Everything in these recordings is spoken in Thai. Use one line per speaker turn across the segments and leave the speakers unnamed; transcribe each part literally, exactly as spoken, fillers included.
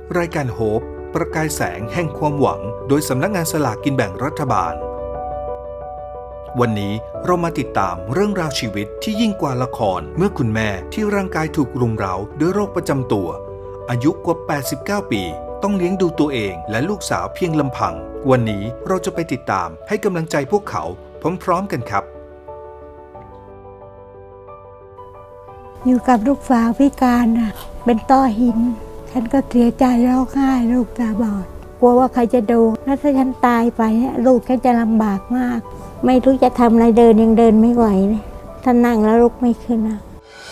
รายการโฮปประกายแสงแห่งความหวังโดยสำนักงานสลากกินแบ่งรัฐบาลวันนี้เรามาติดตามเรื่องราวชีวิตที่ยิ่งกว่าละครเมื่อคุณแม่ที่ร่างกายถูกรุมเร้าด้วยโรคประจำตัวอายุกว่าแปดสิบเก้าปีต้องเลี้ยงดูตัวเองและลูกสาวเพียงลำพังวันนี้เราจะไปติดตามให้กำลังใจพวกเขาพร้อมๆกันครับ
อยู่กับลูกสาวพิการน่ะเป็นต้อหินฉันก็เสียใจร้องไห้ลูกตาบอดกลัวว่าใครจะดูแล้วถ้าฉันตายไปเนี่ยลูกฉันจะลำบากมากไม่รู้จะทำอะไรเดินยังเดินไม่ไหวเลยถ้านั่งแล้วลุกไม่ขึ้นนะ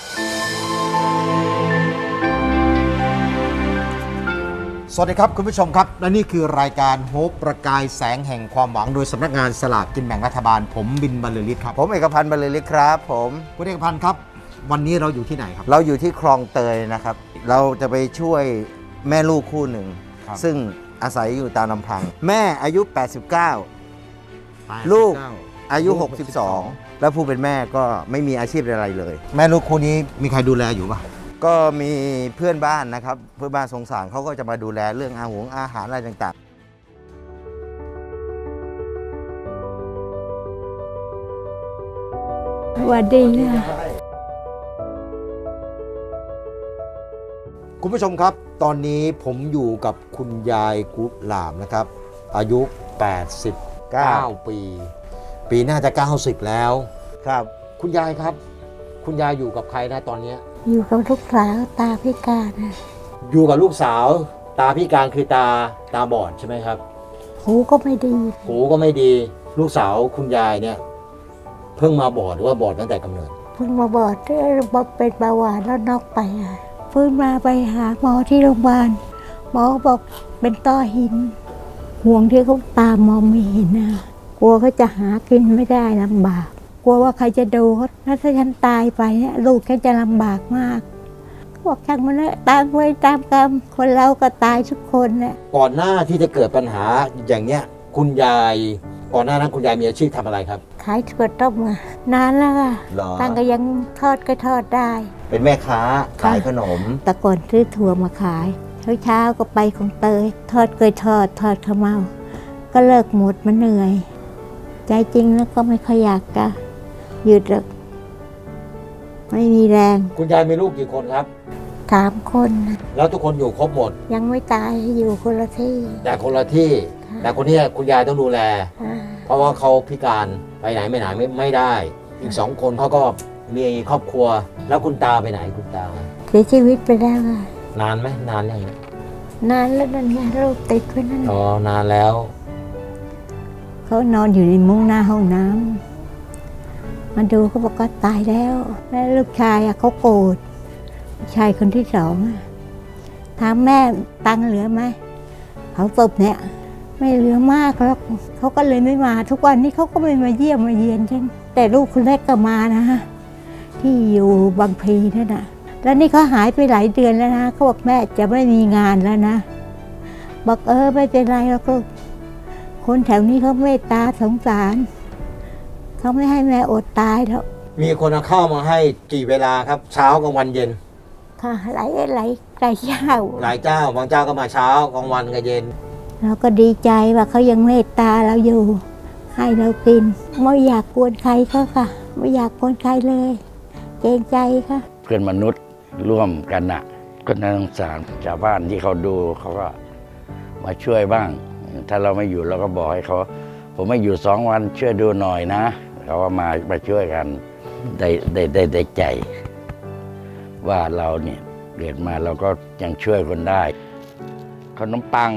สวัสดีครับคุณผู้ชมครับและนี่คือรายการโฮปประกายแสงแห่งความหวังโดยสำนักงานสลากกินแบ่งรัฐบาลผมบินบรรลือฤทธิ์ครับ
ผมเอกพันธ์บรรลือฤทธิ์ครับผม
คุณเอกพันธ์ครับวันนี้เราอยู่ที่ไหนครับ
เราอยู่ที่คลองเตยนะครับเราจะไปช่วยแม่ลูกคู่หนึ่งซึ่งอาศัยอยู่ตามลำพังแม่อายุแปดสิบเก้าลูกอายุหกสิบสองแล้วผู้เป็นแม่ก็ไม่มีอาชีพอะไรเลย
แม่ลูกคู่นี้มีใครดูแลอยู่ป่ะ
ก็มีเพื่อนบ้านนะครับเพื่อนบ้านสงสารเขาก็จะมาดูแลเรื่องอาหารอาหารอะไรต่าง
สวัสดีค่ะ
คุณผู้ชมครับตอนนี้ผมอยู่กับคุณยายกุหลาบนะครับอายุแปดสิบเก้าปีปีน่าจะเก้าสิบแล้ว
ครับ
คุณยายครับคุณยายอยู่กับใครนะตอนนี้
อยู่กับลูกสาวตาพิการนะ
อยู่กับลูกสาวตาพิการคือตาตาบอดใช่ไหมครับ
หูก็ไม่ดี
หูก็ไม่ดีลูกสาวคุณยายเนี่ยเพิ่งมาบอดหรือว่าบอดตั้งแต่กำเนิด
เพิ่งมาบอดที่เป็นเบาหวานแล้วนอกไปอ่ะฟื้นมาไปหาหมอที่โรงพยาบาลหมอบอกเป็นต้อหินห่วงที่เขาตามองไม่เห็นนะกลัวเขาจะหากินไม่ได้ลำบากกลัวว่าใครจะดูเขาถ้าฉันตายไปเนี่ยลูกฉันจะลำบากมากบอกช่างมันเลยตามเวรตามกรรมคนเราก็ตายทุกคนแหละ
ก่อนหน้าที่จะเกิดปัญหาอย่างเนี้ยคุณยายก่อนหน้านั้นคุณยายมีอาชีพทำอะไรครับ
ขายถั่วต้มอะนานแล้วค่ะตั้งก็ยังทอดก็ทอดได้
เป็นแม่ค้าขายขนม
แต่ก่อนซื้อถั่วมาขายเช้าๆก็ไปของเตยทอดเกยทอดทอดข้าวเมาก็เลิกหมดมันเหนื่อยใจจริงแล้วก็ไม่ค่อยอยากจะหยุดหรอกไม่มีแรง
คุณยายมีลูกกี่คนครับ
สามคน
แล้วทุกคนอยู่ครบหมด
ยังไม่ตายอยู่คนละที่
แต่คนละที่แต่คนนี้คุณยายต้องดูแลเพราะว่าเขาพิการไปไหนไม่ไหนไม่ไม่ได้อีกสองคนเขาก็มีครอบครัวแล้วคุณตาไปไหนคุณตา
เสียชีวิตไปแล้วค่ะ
นานไหมนานยังไง
นานแล้วนั่นไงลูกติดไว้นั่น
อ๋อนานแล้ว
เขานอนอยู่ในมุ้งหน้าห้องน้ำมาดูเขาบอกว่าตายแล้วแล้วลูกชายเขาโกรธชายคนที่สองถามแม่ตังค์เหลือไหมเขาตบเนี่ยไม่เหลือมากหรอกเขาก็เลยไม่มาทุกวันนี้เขาก็ไม่มาเยี่ยมมาเยียนฉันแต่ลูกคนแรกก็มานะที่อยู่บางพลีนั่นน่ะแล้วนี่เขาหายไปหลายเดือนแล้วนะเขาบอกแม่จะไม่มีงานแล้วนะบอกเออไม่เป็นไรหรอกลูกคนแถวนี้เขาเมตตาสงสารเขาไม่ให้แม่อดตายแล้ว
มีคนเอาข้าวมาให้กี่เวลาครับเช้ากลางวันเย็น
ค่ะหลายหลายหลายเจ้า
หลายเจ้าบางเจ้าก็มาเช้ากลางวันกับเย็น
เราก็ดีใจว่าเขายังเมตตาเราอยู่ให้เรากินไม่อยากกวนใครเขาค่ะไม่อยากกวนใครเลยเกรงใจค่ะ
เพื่อนมนุษย์ร่วมกันน่ะก็น่าสงสารชาวบ้านที่เขาดูเขาก็มาช่วยบ้างถ้าเราไม่อยู่เราก็บอกให้เขาผมไม่อยู่สองวันช่วยดูหน่อยนะเขาก็มามาช่วยกันได้ได้ได้ได้ใจว่าเราเนี่ยเกิดมาเราก็ยังช่วยคนได้ขนมปัง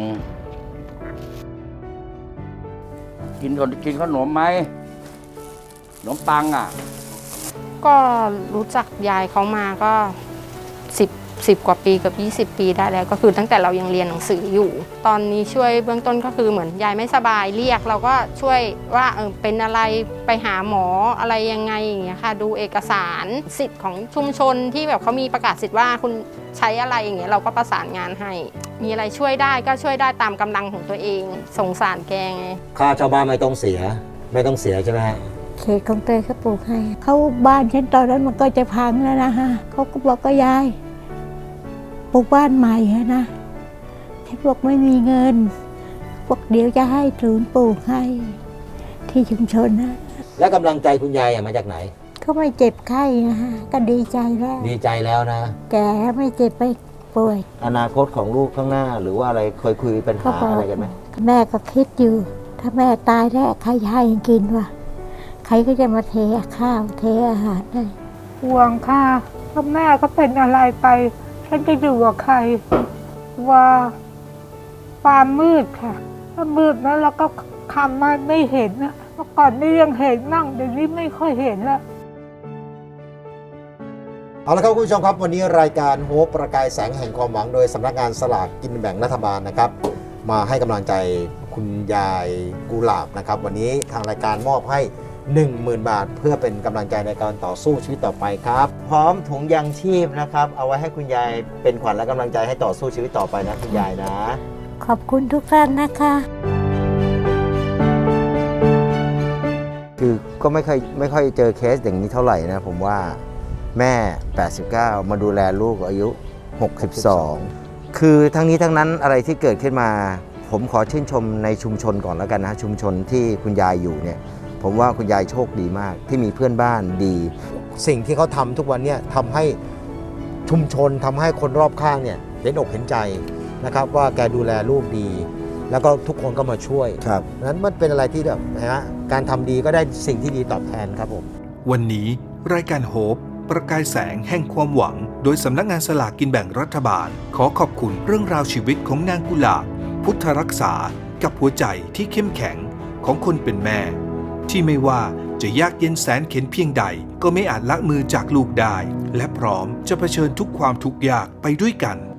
กินคนกินขนมไหมขนมปังอ่ะ
ก็รู้จักยายเขามาก็สิบสิบกว่าปีเกือบยี่สิบปีได้แล้วก็คือตั้งแต่เรายังเรียนหนังสืออยู่ตอนนี้ช่วยเบื้องต้นก็คือเหมือนยายไม่สบายเรียกเราก็ช่วยว่าเออเป็นอะไรไปหาหมออะไรยังไงอย่างเงี้ยค่ะดูเอกสารสิทธิ์ของชุมชนที่แบบเขามีประกาศสิทธิ์ว่าคุณใช้อะไรอย่างเงี้ยเราก็ประสานงานให้มีอะไรช่วยได้ก็ช่วยได้ตามกำลังของตัวเองสงสารแกไง
ค่าชาวบ้านไม่ต้องเสียไม่ต้องเสียใช่ไหมฮะ
เขตของเตยเขาปลูกให้เขาบ้านฉันตอนนั้นมันก็จะพังแล้วนะฮะเขาก็บอกก็ยายปลูกบ้านใหม่นะที่พวกไม่มีเงิน พวกเดี๋ยวจะให้ศูนย์ปลูกให้ที่ชุมชนนะ
และกำลังใจคุณยายอะมาจากไหน
เขาไม่เจ็บไข้นะฮะก็ดีใจแล้ว
ดีใจแล้วนะ
แกไม่เจ็บไม่ป่วย
อนาคตของลูกข้างหน้า หรือว่าอะไรเคยคุยปัญ
เขา
หา
บอก
อะไรกันไหม
แม่ก็คิดอยู่ ถ้าแม่ตายแล้วใครจะให้กินวะใครก็จะมาเทข้าวเทอาหารให้
ห่วงค่ะถ้าแม่ก็เป็นอะไรไป ฉันจะอยู่กับใคร ว่าความมืดค่ะ ถ้ามืดแล้วเราก็คำมันไม่เห็นนะเมื่อก่อนนี่ยังเห็นมั่งเดี๋ยวนี้ไม่ค่อยเห็นละ
เอาละครับคุณผู้ชมครับวันนี้รายการโฮปประกายแสงแห่งความหวังโดยสำนักงานสลากกินแบ่งรัฐบาลนะครับ มาให้กำลังใจคุณยายกุหลาบนะครับ วันนี้ทางรายการมอบให้ หนึ่งหมื่น บาท เพื่อเป็นกำลังใจในการต่อสู้ชีวิตต่อไปครับ
พร้อมถุงยางชีพนะครับ เอาไว้ให้คุณยายเป็นขวัญและกำลังใจให้ต่อสู้ชีวิตต่อไปนะคุณยายนะ
ขอบคุณทุกท่านนะคะ
คือก็ไม่ค่อยไม่ค่อยเจอเคสอย่างนี้เท่าไหร่นะผมว่าแม่ แปดสิบเก้า มาดูแลลูกอายุ หกสิบสอง คือทั้งนี้ทั้งนั้นอะไรที่เกิดขึ้นมา ผมขอชื่นชมในชุมชนก่อนแล้วกันนะ ชุมชนที่คุณยายอยู่เนี่ยผมว่าคุณยายโชคดีมากที่มีเพื่อนบ้านดี
สิ่งที่เขาทำทุกวันเนี่ยทำให้ชุมชนทำให้คนรอบข้างเนี่ยเห็นอกเห็นใจนะครับ ว่าแกดูแลลูกดี แล้วก็ทุกคนก็มาช่วย
ครับ
นั้นมันเป็นอะไรที่แบบนะฮะการทำดีก็ได้สิ่งที่ดีตอบแทนครับผม
วันนี้รายการโฮปประกายแสงแห่งความหวัง โดยสำนักงานสลากกินแบ่งรัฐบาล ขอขอบคุณเรื่องราวชีวิตของนางกุหลาบ พุทธรักษากับหัวใจที่เข้มแข็งของคนเป็นแม่ ที่ไม่ว่าจะยากเย็นแสนเข็ญเพียงใด ก็ไม่อาจละมือจากลูกได้ และพร้อมจะเผชิญทุกความทุกข์ยากไปด้วยกัน